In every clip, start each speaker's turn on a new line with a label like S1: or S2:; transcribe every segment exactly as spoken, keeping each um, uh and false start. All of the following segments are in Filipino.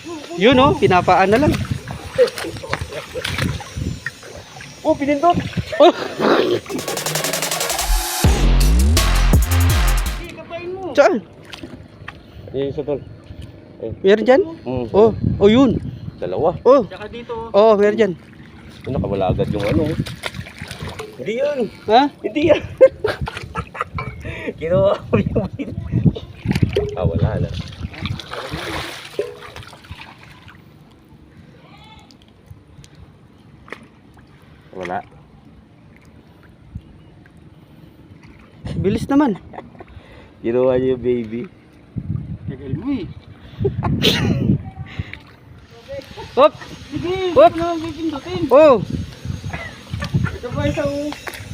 S1: Yun oh, pinapaan na lang.
S2: Oh, pinindot.
S1: Oh! Saan?
S2: Yung isa tol.
S1: Meron dyan?
S2: Mm.
S1: Oh, oh yun.
S2: Dalawa.
S1: Oh.
S3: Tsaka dito.
S1: Oh, meron dyan.
S2: Yung nakawala agad yung ano. Hindi yun.
S1: Ha?
S2: Hindi yan. Kinuha ko yung win. Ah, wala na. Wala.
S1: Bilis naman.
S2: Kinuha niya yung baby.
S3: Tagal mo eh.
S1: Hop!
S3: Sige,
S1: Hop!
S3: huwag naman pipindutin.
S1: Oh!
S3: Ito pa isa oh.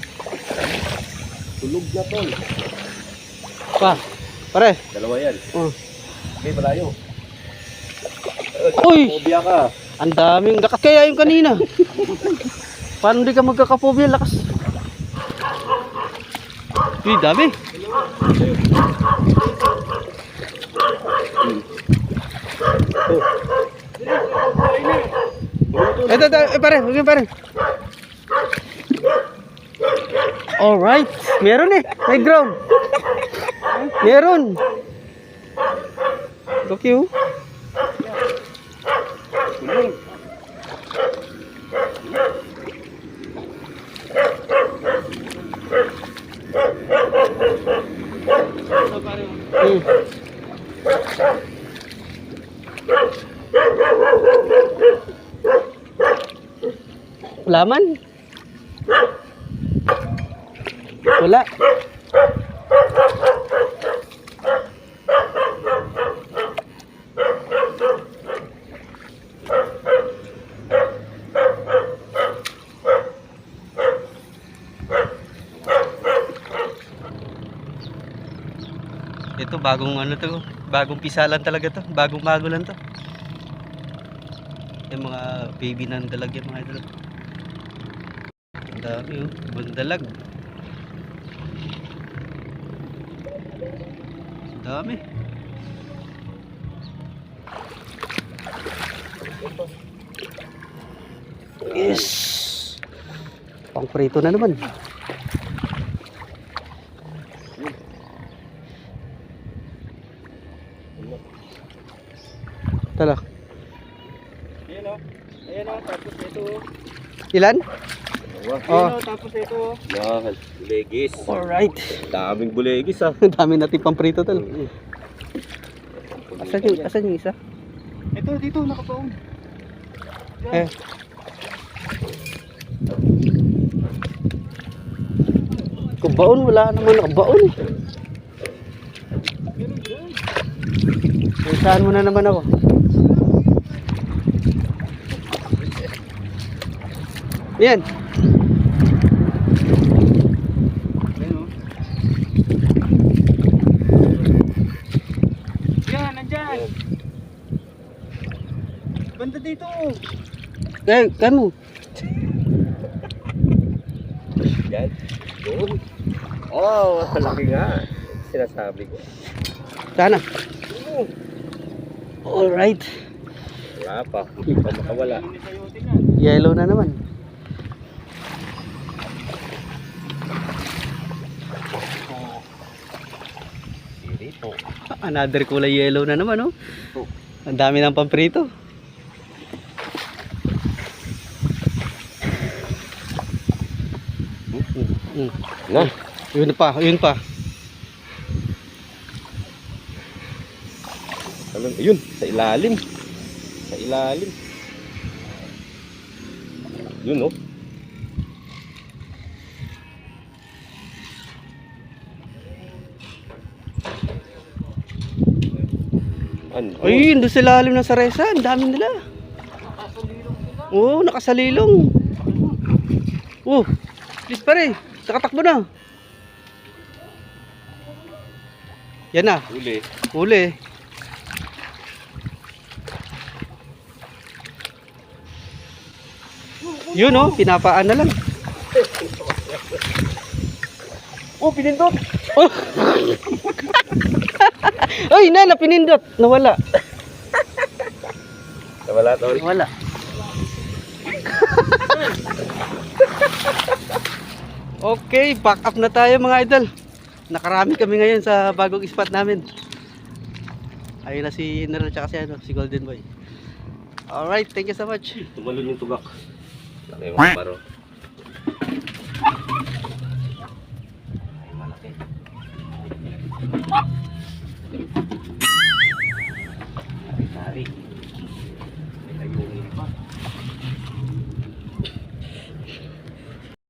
S2: Tulog na tol.
S1: Pa. Pare.
S2: Dalawa yan.
S1: Oh.
S2: Okay, malayo.
S1: Uy!
S2: Phobia ka.
S1: Ang daming lakas kaya yung kanina. Paano di ka magkakapobia? Lakas. Uy, dami. Ito, ito, eh, pare, huwag yun, pare. Alright, meron eh, may ground. Meron. Look you. Hmm. Laman? Wala. Ito bagong ano to, bagong pisalan talaga to, bagong bago lang to. Yung mga baby na dalagyan mga idol. Ang dami oh, bandalag. Ang dami. Yes. Pang prito na naman. Tala.
S3: Ayan o. Ayan o. Tapos ito o.
S1: Ilan?
S2: Dalawa.
S3: Ayan
S1: Oh.
S3: o. Tapos ito o.
S2: Yan. Bulegis.
S1: Alright.
S2: Daming bulegis ah.
S1: Ang dami natin pang prito tal. Asan yung, asan yung isa?
S3: Ito dito nakapaon.
S1: Eh. Kung baon, wala naman nakabaon. Saan mo na naman ako? Yan.
S3: Ayan o. Yan, nandyan. Banda dito o.
S1: Eh, kamu.
S2: Yan. Doon. Oh, malaki nga. Sinasabi ko.
S1: Sana. Alright.
S2: Wala pa. Hindi pa makawala.
S3: Hindi sa'yo tingnan.
S1: Yellow na naman.
S2: Dito.
S1: Another kulay yellow na naman, oh.
S2: Oh.
S1: Ang dami ng pamprito. Mm.
S2: Na.
S1: Yun pa, yun pa.
S2: Ano, ayun, sa ilalim. Sa ilalim. Yun, oh. Ano?
S1: Ayun, doon sa lalim ng saresa. Ang dami nila. Oo, oh, nakasalilong. Oh, please pare. Nakatakbo na. Yan na.
S2: Huli.
S1: Huli. Yun oh, pinapaan na lang.
S2: Oh, pinindot.
S1: Oh. Ay, nala, pinindot. Nawala.
S2: Wala tol.
S1: Wala. Okay, back up na tayo mga idol. Nakarami kami ngayon sa bagong spot namin. Ayun na si Nero tsaka si, ano, si Golden Boy. Alright, thank you so much.
S2: Tumalon yung tugak. Laki yung baro. Ay, malaki.